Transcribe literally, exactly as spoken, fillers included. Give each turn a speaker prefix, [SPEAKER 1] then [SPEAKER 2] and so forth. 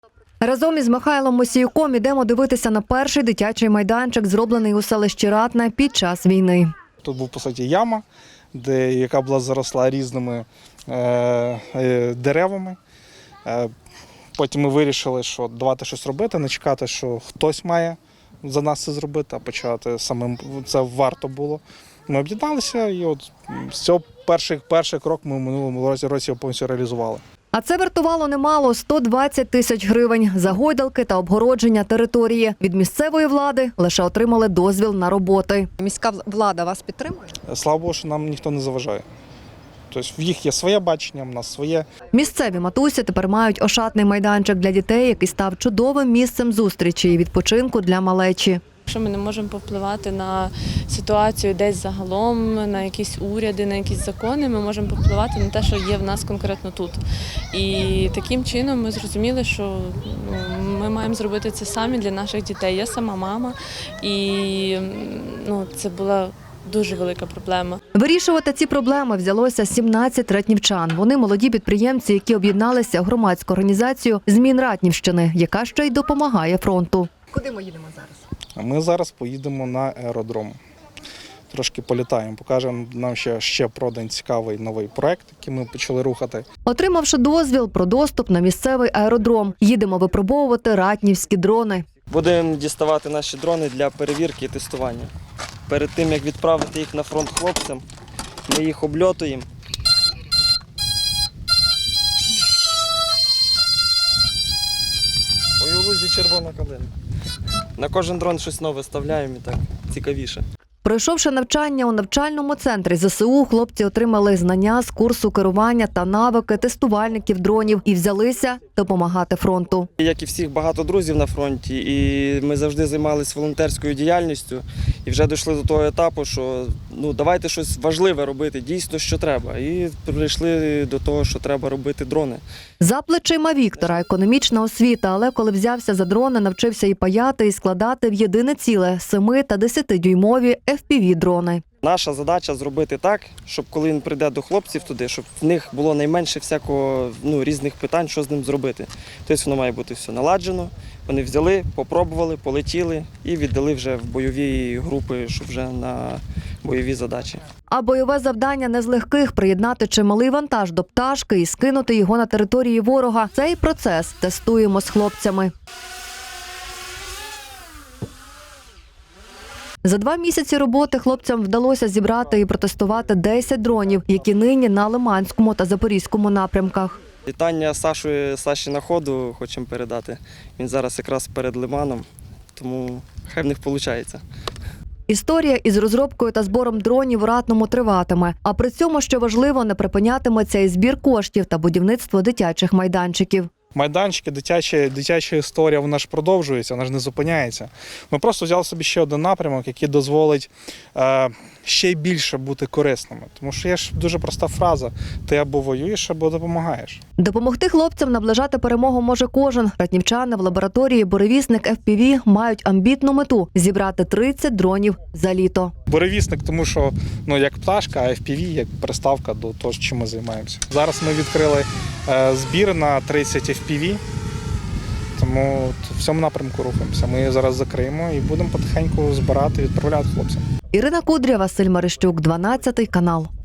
[SPEAKER 1] Разом із Михайлом Мосіюком ідемо дивитися на перший дитячий майданчик, зроблений у селищі Ратне під час війни.
[SPEAKER 2] Тут був, по суті, яма, де, яка була заросла різними е, е, деревами. Е, потім ми вирішили, що давати щось робити, не чекати, що хтось має за нас це зробити, а почати самим. Це варто було. Ми об'єдналися і от з цього перший, перший крок ми в минулому році, році повністю реалізували.
[SPEAKER 1] А це вартувало немало – сто двадцять тисяч гривень за гойдалки та обгородження території. Від місцевої влади лише отримали дозвіл на роботи.
[SPEAKER 3] Міська влада вас підтримує?
[SPEAKER 2] Слава Богу, що нам ніхто не заважає. Тобто в їх є своє бачення, в нас своє.
[SPEAKER 1] Місцеві матусі тепер мають ошатний майданчик для дітей, який став чудовим місцем зустрічі і відпочинку для малечі.
[SPEAKER 4] Якщо ми не можемо повпливати на ситуацію десь загалом, на якісь уряди, на якісь закони, ми можемо повпливати на те, що є в нас конкретно тут. І таким чином ми зрозуміли, що ну, ми маємо зробити це самі для наших дітей. Я сама мама, і ну, це була дуже велика проблема.
[SPEAKER 1] Вирішувати ці проблеми взялося сімнадцять ратнівчан. Вони молоді підприємці, які об'єдналися в громадську організацію «Змін Ратнівщини», яка ще й допомагає фронту.
[SPEAKER 3] Куди ми їдемо зараз?
[SPEAKER 2] А ми зараз поїдемо на аеродром. Трошки політаємо, покажемо нам ще, ще про один цікавий новий проект, який ми почали рухати.
[SPEAKER 1] Отримавши дозвіл про доступ на місцевий аеродром, їдемо випробовувати ратнівські дрони.
[SPEAKER 5] Будемо діставати наші дрони для перевірки і тестування. Перед тим, як відправити їх на фронт хлопцям, ми їх обльотуємо. Ой, у лузі червона калина. На кожен дрон щось нове ставляємо і так цікавіше.
[SPEAKER 1] Пройшовши навчання у навчальному центрі ЗСУ, хлопці отримали знання з курсу керування та навики тестувальників дронів і взялися допомагати фронту.
[SPEAKER 5] Як і всіх, багато друзів на фронті, і ми завжди займалися волонтерською діяльністю. І вже дійшли до того етапу, що ну, давайте щось важливе робити, дійсно, що треба. І прийшли до того, що треба робити дрони.
[SPEAKER 1] За плечима Віктора економічна освіта, але коли взявся за дрони, навчився і паяти, і складати в єдине ціле семи- та десятидюймові еф пі ві-дрони.
[SPEAKER 5] Наша задача зробити так, щоб коли він прийде до хлопців туди, щоб в них було найменше всякого ну, різних питань, що з ним зробити. Тобто воно має бути все наладжено. Вони взяли, попробували, полетіли і віддали вже в бойові групи, щоб вже на бойові задачі.
[SPEAKER 1] А бойове завдання не з легких – приєднати чималий вантаж до пташки і скинути його на території ворога. Цей процес тестуємо з хлопцями. За два місяці роботи хлопцям вдалося зібрати і протестувати десять дронів, які нині на Лиманському та Запорізькому напрямках.
[SPEAKER 5] Вітання Сашу, Саші на ходу хочемо передати. Він зараз якраз перед Лиманом, тому хай в них виходить.
[SPEAKER 1] Історія із розробкою та збором дронів у Ратному триватиме. А при цьому, що важливо, не припинятиметься і збір коштів та будівництво дитячих майданчиків.
[SPEAKER 2] Майданчики, дитяча, дитяча історія, вона ж продовжується, вона ж не зупиняється. Ми просто взяли собі ще один напрямок, який дозволить е, ще більше бути корисними. Тому що є ж дуже проста фраза – ти або воюєш, або допомагаєш.
[SPEAKER 1] Допомогти хлопцям наближати перемогу може кожен. Ратнівчани в лабораторії «Буревісник еф пі ві» мають амбітну мету – зібрати тридцять дронів за літо.
[SPEAKER 2] Буревісник, тому що ну, як пташка, а еф пі ві як приставка до того, чим ми займаємося. Зараз ми відкрили е, збір на тридцять еф пі ві, тому в цьому напрямку рухаємося. Ми її зараз закриємо і будемо потихеньку збирати, відправляти хлопцям.
[SPEAKER 1] Ірина Кудря, Василь Марищук, дванадцятий канал.